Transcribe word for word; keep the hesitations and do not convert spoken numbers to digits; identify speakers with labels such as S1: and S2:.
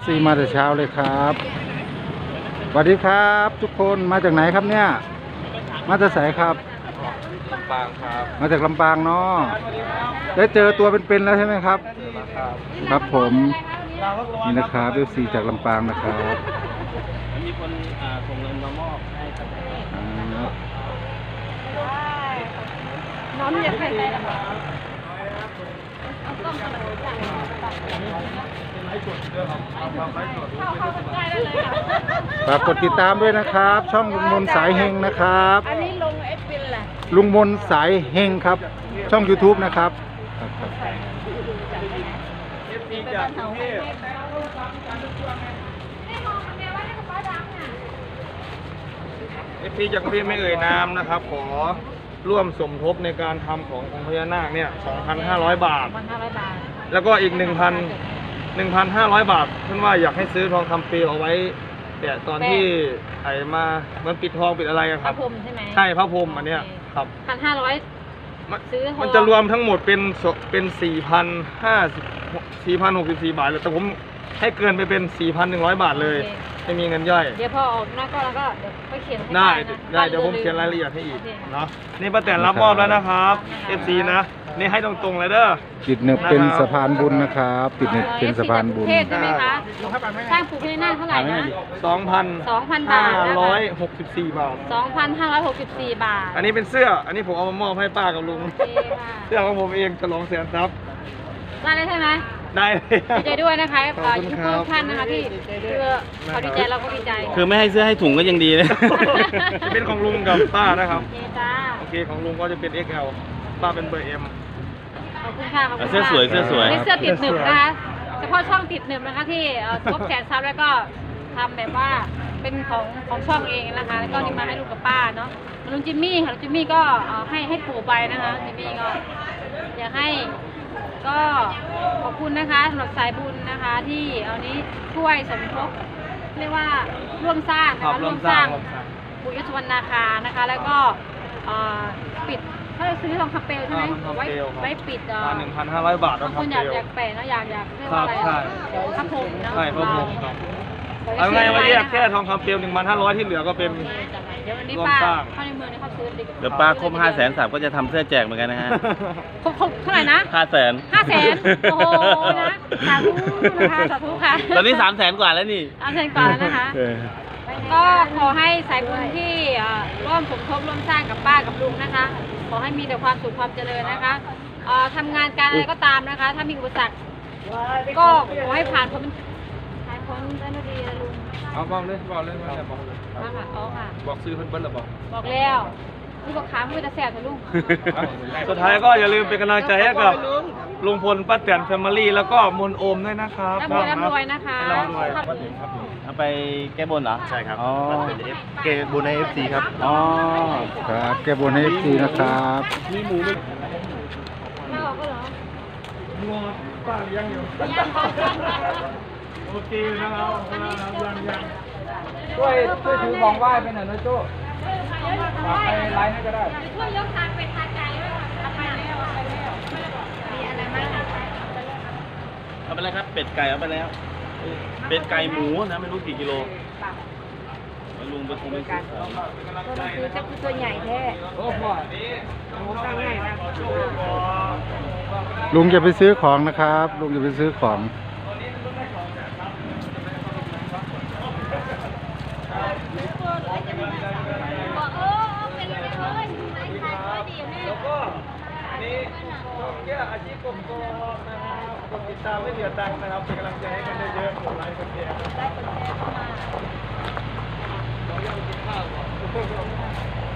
S1: ซีมาแต่เช้าเลยครับสวัสดีครับทุกคนมาจากไหนครับเนี่ยมาจากไสครับ
S2: ลำปางครับ
S1: มาจากลำปางเนาะได้เจอตัวเป็นๆแล้วใช่ไหมครับครับผมนี่นะครับเอฟซีจากลำปางนะครับ
S2: มีคนส่งเงินมามอบให้ครับ
S3: น้องอยากให้
S1: ฝากกดติดตามด้วยนะครับ ช่องลุงมนสายเฮงนะครับ
S3: อันนี้ลงเอฟบินแหละ
S1: ลุงมนสายเฮงครับช่อง ยูทูบ นะครับ
S2: เอฟซีจากพี่ไม่เอ่ยนามนะครับขอร่วมสมทบในการทำขององค์พญานาคเนี่ย สองพันห้าร้อย บาท แล้วก็อีก หนึ่งพัน หนึ่งพันห้าร้อย บาทเพื่อนว่าอยากให้ซื้อทองคำเปลวเอาไว้แต่ตอนที่ไอ้มามันปิดทองปิดอะไรครับ
S3: พระพรหมใช่ไหม
S2: ใช่พระพรหมอันเนี้ยครับ
S3: พันห้าร้อยซื้อ
S2: มันจะรวมทั้งหมดเป็นเป็นสี่พันห้าสิบสี่พันหกสิบสี่บาทเลยแต่ผมให้เกินไปเป็นสี่พันหนึ่งร้อยบาทเลยไม่มีเงินย่อย
S3: เดี๋ยวพอออกนอกก็แล้วก็เดี๋ยวไปเขียน
S2: ได้ได้เดี๋ยวผมเขียนรายละเอียดให้อีกเนาะนี่ป้าแตนรับมอบแล้วนะครับ เอฟ ซี นะนี่ให้ตรงๆเลยเด้อ
S1: ติดเน็ตเป็นสะพานบุญนะครับติดเน็ตเป็นสะพานบุญ
S3: เทศใช่ไหมคะสร้างปู่พญานาคเท่าไหร่นะ
S2: สองพัน
S3: สองพันบาท
S2: ห้าร้อยหกสิบสี่บาท
S3: สองพันห้าร้อยหกสิบสี่บาท
S2: อันนี้เป็นเสื้ออันนี้ผมเอามามอบให้ป้ากับลุงเสื้อของผมเองฉลองแสนทรัพย์
S3: ได้เลยใช่ไหม
S2: ได้
S3: ดีใจด้วยนะคะขอบคุณทุกท่านนะคะที่คือเขาดีใจเราก็ดีใจ
S4: คือไม่ให้เสื้อให้ถุงก็ยังดีเลย
S2: จะเป็นของลุงกับป้านะครับ
S3: โอเคจ้า
S2: โอเคของลุงก็จะเป็น เอ็กซ์ แอล ป้าเป็นเบอร์ เอ็ม
S3: ขอบคุณค่ะขอบคุณ
S4: เสื้อสวยเสื้อสวย
S3: นี่เสื้อติดหนึบนะคะเฉพาะช่องติดหนึบนะคะที่ครบแสนซับแล้วก็ทำแบบว่าเป็นของของช่องเองนะคะแล้วก็นี่มาให้ลุงกับป้าเนาะลุงจิมมี่ค่ะลุงจิมมี่ก็ให้ให้ปู่ไปนะคะจิมมี่ก็อยากให้ก็ขอบคุณนะคะสำหรับสายบุญนะคะที่เอานี้ช่วยสมทบเรียกว่าร่วมสร้างนะคะร่วมสร้างปู่ยศวรรณนาคานะคะแล้วก็ปิดเขาจะซื้อทองคำเปลวใช่ไหมไว้ไว้ปิด
S2: หนึ่งพันห้าร้อยบาท
S3: บางคนอยากอยากแปะนะอยากอยากเรียกว่าอะไรพระพรหมเนาะ
S2: ใช่พระพรหมครับเอาไงวันนี้แค่ทองคำเปลวหนึ่งพันห้าร้อยที่เหลือก็เป็น
S3: เดี๋ยววันนี้ป้าเข้าในเมืองนี่เขาซื้อ
S4: เดี๋ยวป้าครบห้าแสนสามก็จะทำเสื้อแจกเหมือนกันนะฮะ
S3: ครบครบเท่าไหร่นะ
S4: ห้าแสน
S3: ห้าแสนโอ้โหนะสาธุนะคะสาธุค่ะ
S4: ตอนนี้สามแสนกว่าแล้วนี่
S3: สามแสนกว่าแล้วนะคะก็ขอให้สายบุญที่ร่วมสมทบร่วมสร้างกับป้ากับลุงนะคะขอให้มีแต่ความสุขความเจริญนะคะทำงานการอะไรก็ตามนะคะ ถ้ามีอุปสรรคก็ขอให้ผ่านพ้นผ่านพ้นได้ด้วยดีนะลุง
S2: เอาบอกเลยบอกเลยว่าจะบอกเลย
S3: มาค่ะอ๋อค่ะ
S2: บอกซื้อเพิ่นเบิ้ลหรือบอก
S3: บอกแล้วลูกบอกขามือจะแสบนะลุง
S2: สุดท้ายก็อย่าลืมเป็นกำลังใจให้กับลุงพลป้าแตนแฟมิลี่แล้วก็มนโอมด้วยนะครับ
S3: ร่ำรวยร่ำรวยนะคะ
S2: ร่ำรวย
S4: เอาไปแก้บนเหรอ
S2: ใช่ครับ
S1: อ๋อ
S2: แก้บนใน เอฟ ซี ครับ
S1: อ๋อครับแก้บนใน เอฟ ซี นะครับ
S2: มีหมูไหม
S3: มาออกก็เหรอ
S2: งัวป้ายังอยู่โอเคนะครับยังยังช่วยช่วยถือของไหว้ไปหน่อยนะโจ้ไปไลน์ให้ก็ได้
S3: ช่วยยกทางเป็นทางไกลด้วยค่ะไปแล้วไปแล้วมีอะไรบ้าง
S4: เอาไปแล้วครับเป็ดไก่เอาไปแล้วเป็ดไก่หมูนะไม่รู้กี่กิโลลุงไปคงไปซื้อ
S3: ตัวคือจะคือตัวใหญ่แท้
S2: โอ้พ่อ
S3: ตั้งใหญ่นะ
S1: ลุงจะไปซื้อของนะครับลุงจะไปซื้อของ
S2: อาชีพกบโกนะครับกดติดตามไม่เสียตังค์นะครับเป็นกำลังใจให้กันเยอะๆกดไลค์กดแชร์ได้กดแชร์เข้ามาเราอยากกินข้าวก่อน